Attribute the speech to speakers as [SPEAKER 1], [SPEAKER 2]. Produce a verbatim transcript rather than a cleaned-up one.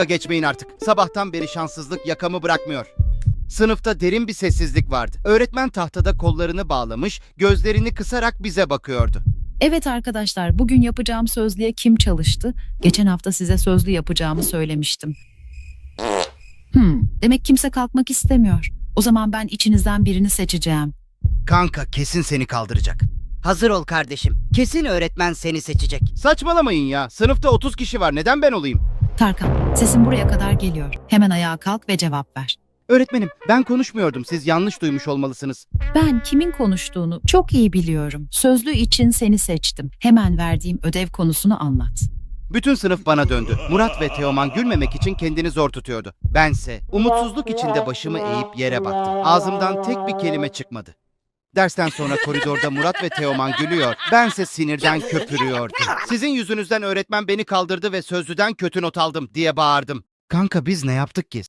[SPEAKER 1] Geçmeyin artık. Sabahtan beri şanssızlık yakamı bırakmıyor. Sınıfta derin bir sessizlik vardı. Öğretmen tahtada kollarını bağlamış, gözlerini kısarak bize bakıyordu.
[SPEAKER 2] Evet arkadaşlar, bugün yapacağım sözlüğe kim çalıştı? Geçen hafta size sözlü yapacağımı söylemiştim. Hmm, demek kimse kalkmak istemiyor. O zaman ben içinizden birini seçeceğim.
[SPEAKER 1] Kanka kesin seni kaldıracak.
[SPEAKER 3] Hazır ol kardeşim. Kesin öğretmen seni seçecek.
[SPEAKER 1] Saçmalamayın ya. Sınıfta otuz kişi var. Neden ben olayım?
[SPEAKER 2] Tarkan, sesin buraya kadar geliyor. Hemen ayağa kalk ve cevap ver.
[SPEAKER 1] Öğretmenim, ben konuşmuyordum. Siz yanlış duymuş olmalısınız.
[SPEAKER 2] Ben kimin konuştuğunu çok iyi biliyorum. Sözlü için seni seçtim. Hemen verdiğim ödev konusunu anlat.
[SPEAKER 1] Bütün sınıf bana döndü. Murat ve Teoman gülmemek için kendini zor tutuyordu. Bense umutsuzluk içinde başımı eğip yere baktım. Ağzımdan tek bir kelime çıkmadı. Dersten sonra koridorda Murat ve Teoman gülüyor. Bense sinirden köpürüyordum. Sizin yüzünüzden öğretmen beni kaldırdı ve sözlüden kötü not aldım diye bağırdım. Kanka biz ne yaptık ki?